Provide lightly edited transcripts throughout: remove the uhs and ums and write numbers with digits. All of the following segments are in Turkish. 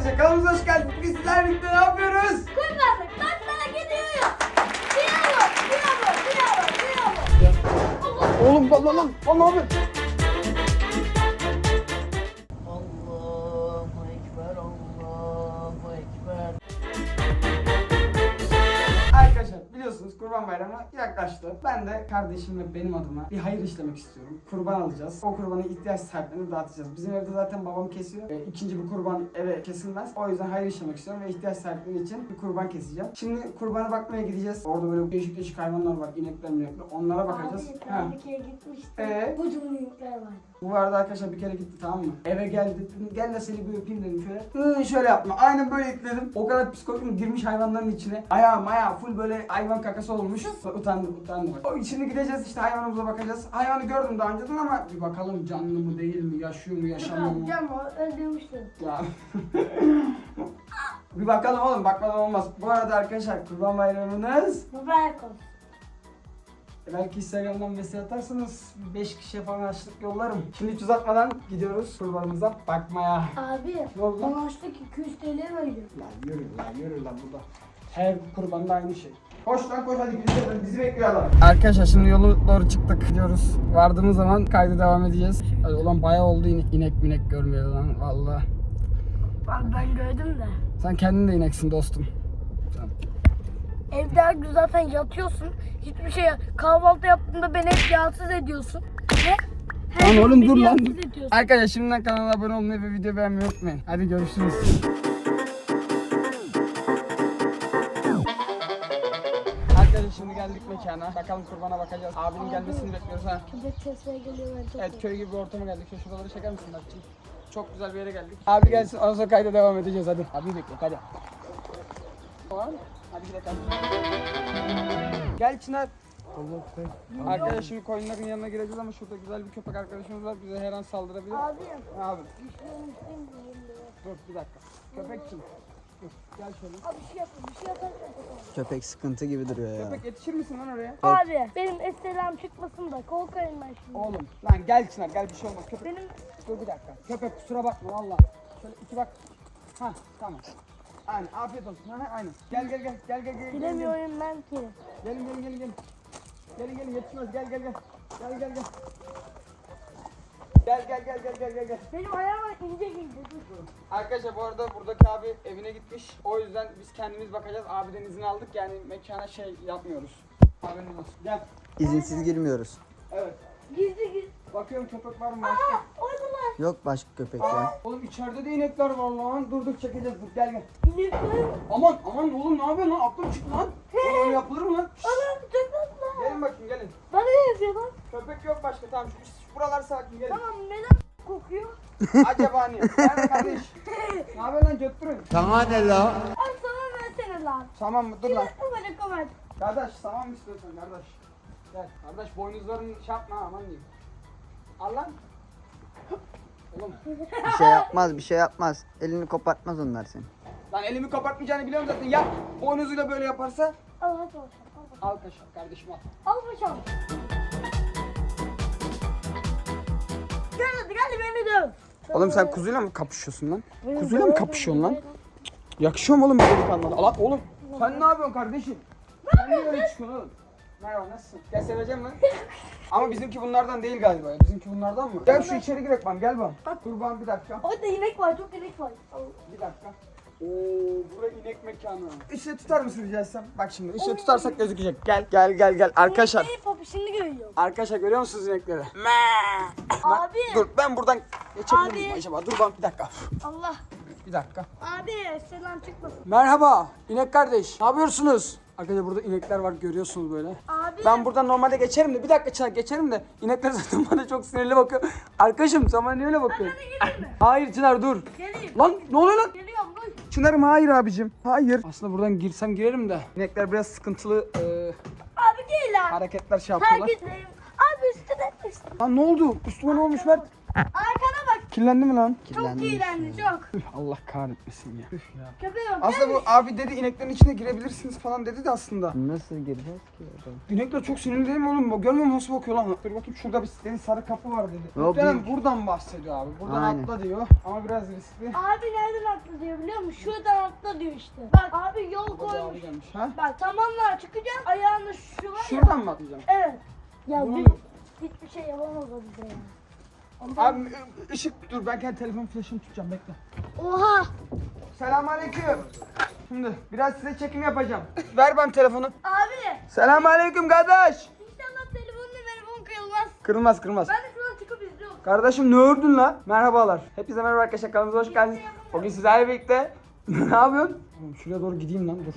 arkadaşlar, kanalımıza hoş geldiniz. Bugün sizlerle birlikte ne yapıyoruz? Kurbanlık tatlına gidiyoruz. Bravo. Oğlum lan ne yapıyorsun? Allahu Ekber, Allahu Ekber. Arkadaşlar biliyorsunuz Kurban Bayramı yaklaştı. Ben de kardeşimle benim adıma bir hayır işlemek istiyorum. Kurban alacağız. O kurbanı ihtiyaç sahiplerine dağıtacağız. Bizim evde zaten babam kesiyor. İkinci bir kurban eve kesilmez. O yüzden hayır işlemek istiyorum ve ihtiyaç sahipleri için bir kurban keseceğim. Şimdi kurbana bakmaya gideceğiz. Orada böyle değişik hayvanlar var. İnekler minekler. Onlara bakacağız. Abi ben bir kere gitmiştim. Kocaman yükler vardı. Bu arada arkadaşlar bir kere gitti, tamam mı? Eve geldi, dedim, gel de seni bir öpeyim dedim şöyle. Şöyle yapma. Aynen böyle itledim. O kadar psikolojim girmiş hayvanların içine. Ayağı full böyle hayvan kakası olmuş. Utandım. O şimdi gideceğiz işte, hayvanımıza bakacağız. Hayvanı gördüm daha önceden ama bir bakalım canlı mı değil mi, yaşıyor mu yaşamıyor mu? Canım öldürmüştüm. Ya. Bir bakalım oğlum, bakmadan olmaz. Bu arada arkadaşlar Kurban Bayramınız. Mübarek olsun. Belki Instagram'dan mesaj atarsanız 5 kişiye falan açlık yollarım. Şimdi hiç uzatmadan gidiyoruz kurbanımıza bakmaya. Abi Ne oldu lan? bana açtık 200 TL veriyor. Yürü lan burada. Her kurbanda aynı şey. Koş hadi gidelim, bizi bekliyor adam. Arkadaşlar şimdi yolu doğru çıktık, gidiyoruz. Vardığımız zaman kaydı devam edeceğiz. Hadi ulan bayağı oldu inek görmüyor lan valla. Ben gördüm de. Sen kendin de ineksin dostum. Evde her gün zaten yatıyorsun. Hiçbir şey kahvaltı yaptığında beni hep rahatsız ediyorsun. Lan gün oğlum beni dur lan. rahatsız ediyorsun. Arkadaşlar şimdiden kanala abone olmayı ve video beğenmeyi unutmayın. Hadi görüşürüz. Arkadaşlar şimdi geldik mekana. Bakalım kurbana bakacağız. Abinin gelmesini bekliyoruz ha. Köpek sesleri geliyor ben çok Evet, köy gibi bir ortama geldik. Şuraları çeker misin Berk'cim? Çok güzel bir yere geldik. Abi gelsin, ondan sonra kayda devam edeceğiz hadi. Abi bekle hadi. Tamam. Hadi gidelim. Gel Çınar. Arkadaşlar şimdi koyunların yanına gireceğiz ama şurada güzel bir köpek arkadaşımız var. Bize her an saldırabilir. Abi. Abi Düşünmüştüm dur bir dakika. Köpek kim? Dur gel şöyle. Abi bir şey yaparsan. Köpek sıkıntı gibi duruyor ya. Köpek yetişir misin lan oraya? Abi benim estelam çıkmasın da korkarım ben şimdi. Oğlum lan gel Çınar, gel bir şey olmaz. Köpek. Benim Dur bir dakika. Köpek kusura bakma valla. Şöyle iki bak. Hah tamam. Aynen, afiyet olsun. Ha aynen. Gel. bilemiyorum ben ki. Gelin. Gelin yetişmez. Gel. Gel. Benim ayağıma ince. Dur. Arkadaşlar bu arada buradaki abi evine gitmiş. O yüzden biz kendimiz bakacağız. Abiden izin aldık, yani mekana şey yapmıyoruz. Haberiniz olsun. Gel. İzinsiz girmiyoruz. Evet. Gizli. Bakıyorum köpek var mı başka? Oradalar. Yok başka köpek ya. Oğlum içeride de inekler var lan. Dur çekeceğiz. Dur gel. İnekler. Aman oğlum ne yapıyorsun lan? Aklım çıktı lan. Oğlum öyle yapılır mı lan? Ana çok tatlı. Gelin bakayım gelin. Bana ne yazıyor lan? Köpek yok başka, tamam şu buralar sakin, gelin. Tamam neden kokuyor? Acaba ne? Gel kardeş. Ne haber lan götürün. Sana ne la? Al sana versene lan. Tamam mı? Dur lan. Böyle kovar. Kardeş tamam mı istiyorsan kardeş? Gel kardeş, boynuzların şey yapma aman diyeyim. Al lan. Oğlum Bir şey yapmaz. Elini kopartmaz onlar seni. lan elimi kapatmayacağını biliyorum zaten, yap. Boynuzuyla böyle yaparsa. Al hadi paşam. Al kaşar kardeşim al. Al paşam. Gel beni döv. Oğlum sen kuzuyla mı kapışıyorsun lan? Kuzuyla mı kapışıyorsun lan? Yakışıyor mu oğlum böyle delikanlılara? Allah oğlum sen ne yapıyorsun kardeşim? Sen niye öyle çıkıyorsun oğlum? Merhaba, nasılsın? Gel, seveceğim lan. Ama bizimki bunlardan değil galiba ya. Bizimki bunlardan mı? Gel şu içeri girek bak, gel bak. Kurban bir dakika. Orada inek var, çok inek var. Al. Bir dakika. Oo, burası inek mekanı. Işığı tutar mısın rica etsem? Bak şimdi ışığı tutarsak gözükecek. Gel. Arkadaşlar. İneğin papışını görüyorum. Arkadaşlar görüyor musunuz inekleri? Abi. Dur ben buradan geçebilir miyim Abi. acaba? Dur bak bir dakika. Allah. Bir dakika. Abi selam çıkmasın. Merhaba inek kardeş. Ne yapıyorsunuz? Arkadaşlar burada inekler var, görüyorsunuz böyle. Abi. Ben buradan normalde geçerim de bir dakika Çınar, geçerim de inekler zaten bana çok sinirli bakıyor. Arkadaşım sen bana niye öyle bakıyorsun? Hayır Çınar dur. Geleyim. Lan ne oluyor lan? Geliyorum dur. Çınar'ım hayır abicim. Hayır. Aslında buradan girsem girerim de. İnekler biraz sıkıntılı Abi değil lan. hareketler şey yapıyorlar. Herkes. Abi üstüne. Lan ne oldu? Üstüme ne olmuş Mert? Arkana bak. Kirlendi mi lan? Çok Kirlenmiş iğrendi ya. çok. Üf, Allah kahretmesin ya. Üf ya. Köpeğe bak. Aslında bu abi dedi ineklerin içine girebilirsiniz falan dedi de aslında. Nasıl gireceğiz ki orada? İnekler çok sinirli değil mi oğlum? Görmüyor musun nasıl bakıyor lan? Dur bakayım şurada bir dedi sarı kapı var dedi. Yok, Muhtemelen değil. buradan bahsediyor abi. Buradan Aynen. atla diyor. Ama biraz riskli. Abi nereden atla diyor biliyor musun? Şuradan atla diyor işte. Bak abi yol Baba koymuş. abi gelmiş. Ha? Bak tamamlar çıkacağım. Ayağında şu var ya. Şuradan mı atlayacağım? Evet. Ya Bunu- hiçbir şey yapamaz o bize ya. Abi ışık dur ben kendi telefon flaşını tutacağım bekle. Oha. Selamünaleyküm. Şimdi biraz size çekim yapacağım. Ver ben telefonu. Abi. Selamünaleyküm kardeş. İnşallah telefon kırılmaz. Kırılmaz kırılmaz. Ben de şuradan çıkıp izliyorum. Kardeşim ne ördün lan? Merhabalar. Hepinize merhaba arkadaşlar kanalımıza hoş geldiniz. Bugün sizlerle birlikte ne yapıyorsun? Oğlum şuraya doğru gideyim lan dur.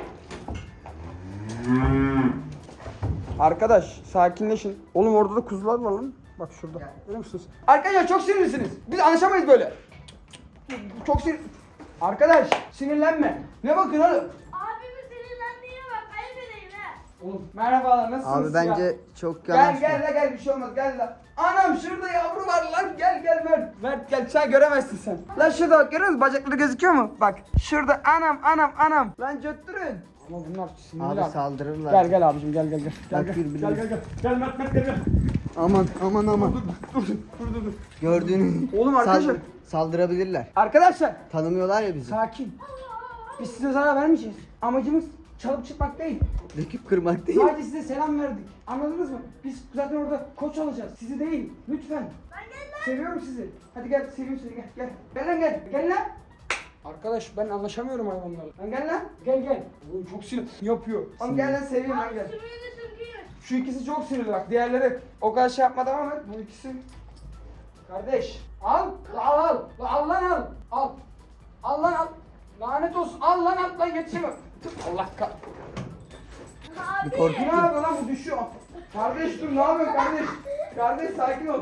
Arkadaş sakinleşin. Oğlum orada da kuzular var lan. Bak şurada. Görüyor musunuz? Arkadaşlar çok sinirlisiniz. Biz anlaşamayız böyle. Çok sinir... Arkadaş sinirlenme. Ne bakın oğlum? Abimin sinirlendiğine bak. Ayıp edeyim ha. Oğlum merhabalar nasılsınız Abi ya? bence çok Gel yanlış. gel la gel bir şey olmaz gel la. Anam şurada yavru var lan gel gel Mert. Mert gel sen göremezsin sen. Lan şurada bak görüyor musun bacakları gözüküyor mu? Bak şurada anam. Lan götürün. Ama bunlar sinirli Abi saldırırlar. Gel abicim gel. Gel Bak, gel. birbirine- Gel. Gel Mert gel. Aman. Dur. Gördüğünü Oğlum arkadaşlar. saldırabilirler. Arkadaşlar Tanımıyorlar ya bizi. sakin. Biz size zarar vermeyeceğiz. Amacımız çalıp çıkmak değil. Döküp kırmak değil. Sadece size selam verdik. Anladınız mı? Biz zaten orada koç alacağız. Sizi değil. Lütfen. Seviyorum sizi. Hadi gel seveyim seni gel. Gel lan gel. Gel lan. Arkadaş ben anlaşamıyorum hayvanlarla. Lan gel lan. Gel. Oğlum çok sinir yapıyor. Oğlum gel lan seveyim lan gel. Sümüğünü sümküyor. Şu ikisi çok sinirli bak. Diğerleri o kadar şey yapmadı ama bu ikisi. Kardeş al. Al lan al. Al lan al. Lanet olsun. Al lan yetişemem. Allah kah. Abi. Bir korku- Ne yapıyor lan bu düşüyor. Kardeş dur ne yapıyorsun kardeş? Kardeş sakin ol.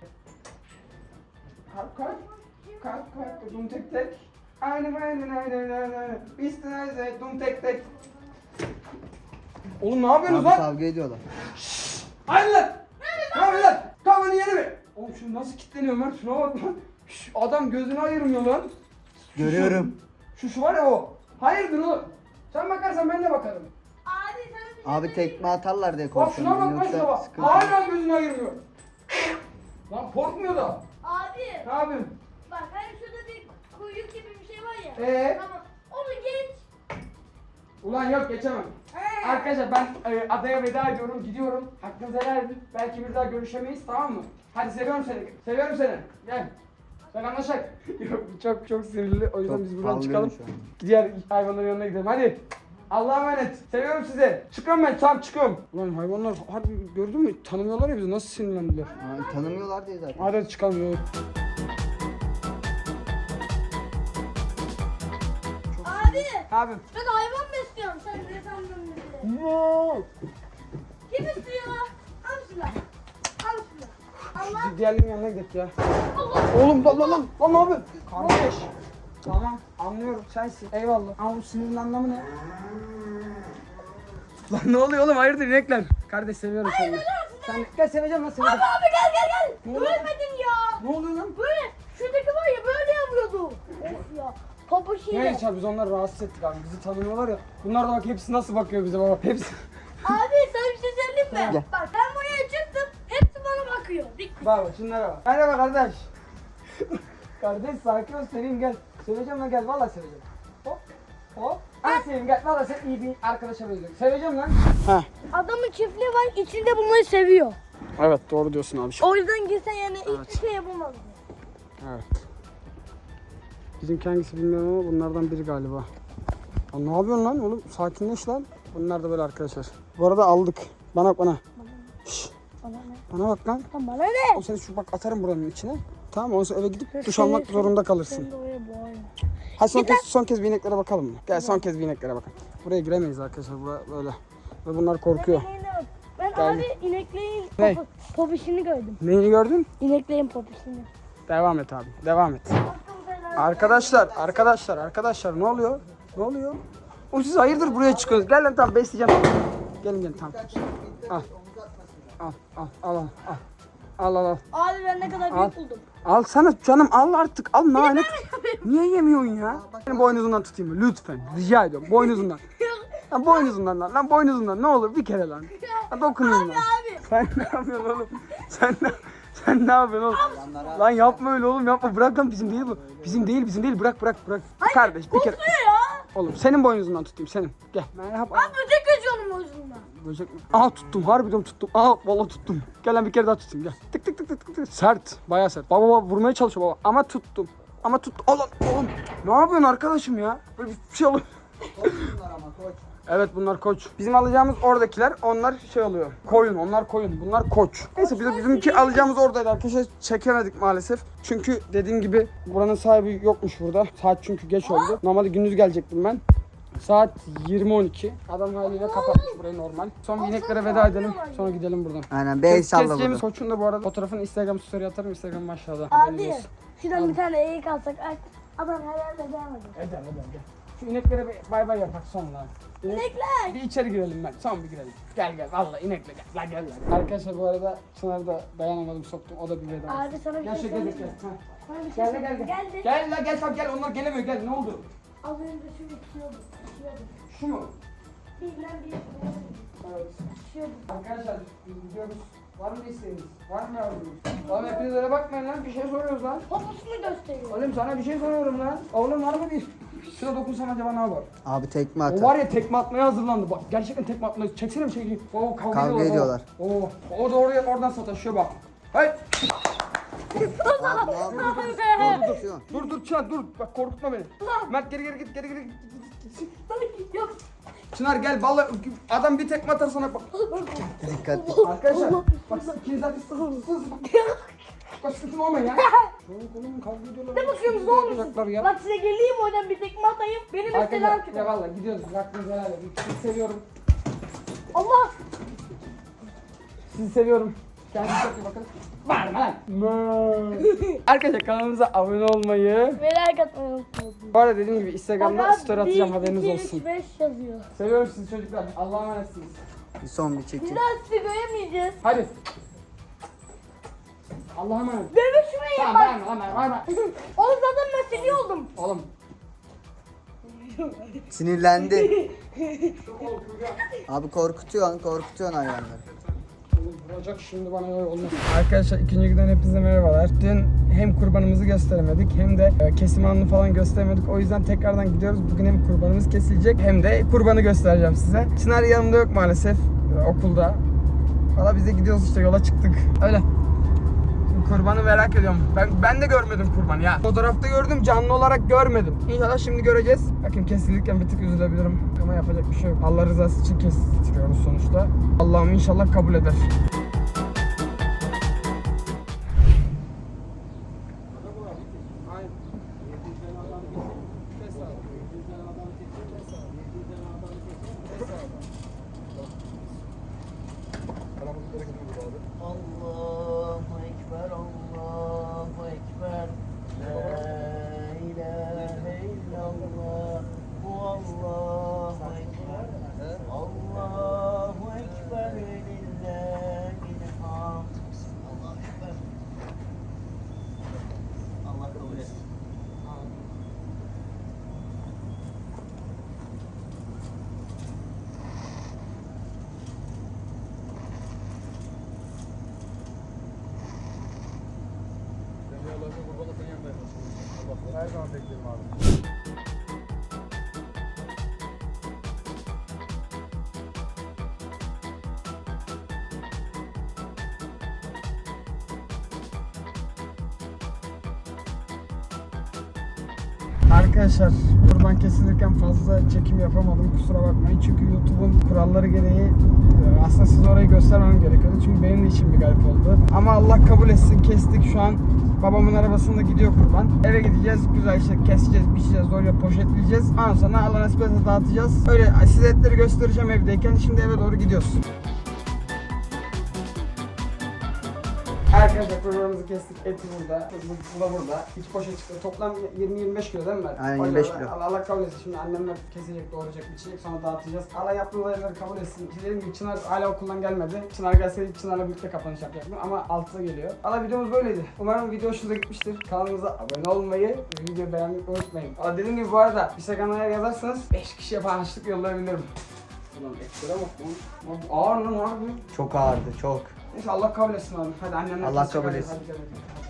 Kalk. Dum tek. Aynen. İstinayze dum tek. Oğlum ne yapıyorsunuz Abi lan? kavga ediyorlar. Hayır lan. Ne yapıyorsun lan? Kafanı yere mi? Oğlum şu nasıl kilitleniyor Mert? Şuna bak lan. Adam gözünü ayırmıyor lan. Görüyorum. Şu var ya o. Hayırdır oğlum? Sen bakarsan ben de bakarım. Abi sana bir şey Abi tekme atarlar diye Bak şuna korkuyorum. bak şuna bak. sıkıntı. Hala gözünü ayırmıyor. Lan korkmuyor da. Abi. Ne yapayım? Bak hani şurada bir kuyruk gibi bir şey var ya. Tamam. Onu geç. Ulan yok geçemem. Arkadaşlar ben adaya veda ediyorum, gidiyorum. Hakkınızı helal edin. Belki bir daha görüşemeyiz tamam mı? Hadi seviyorum seni. Gel. Ben anlaşak. Yok çok sinirli. O yüzden Çok biz buradan sallıyor çıkalım. şu an. Diğer hayvanların yanına gidelim. Hadi. Allah'a emanet. Seviyorum sizi. Çıkıyorum ben. Tamam çıkıyorum. Ulan hayvanlar harbi gördün mü? Tanımıyorlar ya bizi. Nasıl sinirlendiler. Aa, tanımıyorlar diye zaten. Hadi çıkalım. Yok. Abi. Abi. Ben hayvan besliyorum. Sen ne sandın bizi? No. Kim istiyor? Al şunu. Allah. Diğerlerinin yanına gidelim ya. Allah. Oğlum lan ne yapıyorsun? Kardeş. Tamam anlıyorum sensin. Eyvallah. Ama bu sinirin anlamı ne? Lan ne oluyor oğlum hayırdır inekler? Kardeş seviyorum seni. Sen gel seveceğim lan seveceğim. Abi gel. Ne oldu? Ölmedin ya. Ne oluyor lan? Böyle şuradaki var ya böyle yapıyordu. Of ya. Pabuçiyle. Neyse abi biz onları rahatsız ettik abi. Bizi tanımıyorlar ya. Bunlar da bak hepsi nasıl bakıyor bize baba. Hepsi. Abi sana bir şey söyleyeyim mi? Gel. Bak ben buraya çıktım. Hepsi bana bakıyor. Dik. Bak şunlara bak. Merhaba kardeş. Kardeş sakin ol seveyim gel. Seveceğim lan gel vallahi seveceğim. Hop. Hadi seveyim gel. Vallahi sen iyi bir arkadaşa benziyorsun. Seveceğim lan. Heh. Adamın çiftliği var. İçinde bunları seviyor. Evet doğru diyorsun abi. O yüzden girsen yani hiçbir şey yapamaz. Evet. Bizimki hangisi bilmiyorum ama bunlardan biri galiba. Ya ne yapıyorsun lan oğlum? Sakinleş lan. Bunlar da böyle arkadaşlar. Bu arada aldık. Bana bak. Şşş. Bana bak lan. Lan bana ne? O seni şu bak atarım buranın içine. Tamam ondan sonra eve gidip duş almak zorunda kalırsın. Sen de oraya boğayım. Hadi son kez bir ineklere bakalım mı? Gel son kez bir ineklere bakalım. Buraya giremeyiz arkadaşlar. Bura böyle. Ve bunlar korkuyor. Ben Gel. abi ineklerin Ne? popişini gördüm. Neyini gördün? İneklerin popişini. Devam et abi. Devam et. Arkadaşlar ne oluyor? Ne oluyor? Oğlum siz hayırdır buraya çıkıyorsunuz? Gel lan tamam besleyeceğim. Gelin tamam. Al. Al al al. Abi ben ne kadar Al. büyük buldum. Al sana canım al artık al lanet. Niye yemiyorsun ya? Benim boynuzundan tutayım mı? Lütfen. Rica ediyorum. Boynuzundan. Lan boynuzundan lan boynuzundan ne olur bir kere lan. Ha, dokunayım lan. Sen ne yapıyorsun oğlum? Sen ne yapıyorsun oğlum? Lan yapma öyle oğlum yapma. Bırak lan bizim değil bu. Bizim değil bırak. Kardeş bir kere. Oğlum senin boynuzundan tutayım senin. Gel. Merhaba. Abi böcek kaçıyor onun boynuzundan. Böcek mi? Aa tuttum harbiden tuttum. Aa vallahi tuttum. Gel lan bir kere daha tutayım gel. Tık tık tık tık tık tık. Sert. Bayağı sert. Baba vurmaya çalışıyor baba. Ama tuttum. Ama tut. Oğlum. Ne yapıyorsun arkadaşım ya? Böyle bir şey oluyor. Evet bunlar koç. Bizim alacağımız oradakiler onlar şey oluyor. Koyun onlar koyun. Bunlar koç. Neyse bizimki alacağımız oradaydı arkadaşlar. Çekemedik maalesef. Çünkü dediğim gibi buranın sahibi yokmuş burada. Saat çünkü geç oldu. Normalde gündüz gelecektim ben. Saat 20.12. Adam haliyle kapatmış burayı normal. Son bir ineklere veda edelim. Sonra gidelim buradan. Aynen bir el salla Keseceğimiz burada. koçun da bu arada fotoğrafını Instagram story atarım. Instagram aşağıda. Abi şuradan bir tane eğik alsak adam herhalde devam eder. Eder gel. Şu ineklere bir bay bay yapak sonra. İnekler. Bir içeri girelim ben. Son bir girelim. Gel vallahi inekle gel. Lan gel. Arkadaşlar bu arada Çınar'ı da dayanamadım soktum. O da bir veda. Abi sana bir Gel şey şöyle söyleyeyim gel. mi? Ha. Sana bir şey Gel söyleyeyim. gel. Geldi. Gel la gel bak gel onlar gelemiyor gel ne oldu? Az önce şu içiyordu. Şu mu? Bilmem bir Evet. içiyordu. Arkadaşlar biz gidiyoruz. Var mı isteğiniz? Var mı yavrunuz? Oğlum hepiniz öyle bakmayın lan bir şey soruyoruz lan. Poposunu gösteriyor. Oğlum sana bir şey soruyorum lan. Oğlum var mı bir? Şuna dokunsam acaba ne yapar? Abi tekme O atar. var ya tekme atmaya hazırlandı. Bak gerçekten tekme atmaya. Çeksene bir şey. Oo Kavga ediyorlar. Oo. O da oradan sataşıyor bak. Hey. Dur Çınar dur. Bak korkutma beni. Mert geri git. Yok. Çınar gel vallahi adam bir tekme atar sana bak. Dikkatli. Arkadaşlar bak ikiniz zaten sız. Bak sıkıntı olmayın ya. Oğlum kavga ediyorlar. Ne bakıyorsunuz ne olmuş? Yapacaklar ya. Bak size geleyim oradan bir tekme atayım. Benim üstelam Arkadaşlar ya çıkıyor. vallahi gidiyoruz. Hakkınızı helal edin. Sizi seviyorum. Allah. Sizi seviyorum. Kendinize çok iyi bakın. Bağırma lan. Arkadaşlar kanalımıza abone olmayı. Merak atmayı unutmayın. Bu arada dediğim gibi Instagram'da story atacağım haberiniz 1, 2, olsun. 3, 5 yazıyor. Seviyorum sizi çocuklar. Allah'a emanetsiniz. Bir son bir Bir çekim. daha sizi göremeyeceğiz. Hadi. Allah'a emanet. Dövüşmeyin Tamam bak. bağırma. Oğlum zaten ben seni oldum. Oğlum. Sinirlendi. Abi korkutuyorsun hayvanları. Oğlum vuracak şimdi bana öyle olmaz. Arkadaşlar ikinci günden hepinize merhabalar. Dün hem kurbanımızı gösteremedik hem de kesim anını falan gösteremedik. O yüzden tekrardan gidiyoruz. Bugün hem kurbanımız kesilecek hem de kurbanı göstereceğim size. Çınar yanımda yok maalesef okulda. Valla biz de gidiyoruz işte yola çıktık. Öyle. Kurbanı merak ediyorum. Ben de görmedim kurbanı ya. Fotoğrafta gördüm canlı olarak görmedim. İnşallah şimdi göreceğiz. Bakın kesilirken bir tık üzülebilirim. Ama yapacak bir şey yok. Allah rızası için kestiriyoruz sonuçta. Allah'ım inşallah kabul eder. Allahu Ekber, Allahu Ekber. La ilahe illallah. Allahu Ekber. Allahu Ekber. Lillahil hamd. Allahu Ekber. Allah kabul etsin. Her zaman beklerim abi. Arkadaşlar kurban kesilirken fazla çekim yapamadım kusura bakmayın çünkü YouTube'un kuralları gereği aslında size orayı göstermem gerekiyordu çünkü benim de içim bir garip oldu ama Allah kabul etsin kestik şu an babamın arabasında gidiyor kurban eve gideceğiz güzel işte keseceğiz biçeceğiz oraya poşetleyeceğiz ondan sonra Allah nasip etse dağıtacağız öyle size etleri göstereceğim evdeyken şimdi eve doğru gidiyoruz. Arkadaşlar kurbanımızı kestik. Eti burada. Bu da burada. 2 poşet çıktı. Toplam 20-25 kilo değil mi ben? Aynen, O 25 yüzden kilo. Allah kabul etsin. Şimdi annemler kesecek, doğrayacak, biçecek. Sonra dağıtacağız. Allah yaptığı olayları kabul etsin. İşte dediğim gibi Çınar hala okuldan gelmedi. Çınar gelseydi Çınar'la birlikte kapanış yapacaktım. Ama 6'da geliyor. Allah videomuz böyleydi. Umarım video hoşunuza gitmiştir. Kanalımıza abone olmayı ve videoyu beğenmeyi unutmayın. Ama dediğim gibi bu arada Instagram'a yazarsanız 5 kişiye falan harçlık yollayabilirim. Ulan etlere bak lan. Ağır lan abi. Çok ağırdı çok. Neyse Allah kabul etsin abi. Hadi annemler Allah kesecek, kabul hadi, etsin. hadi, hadi.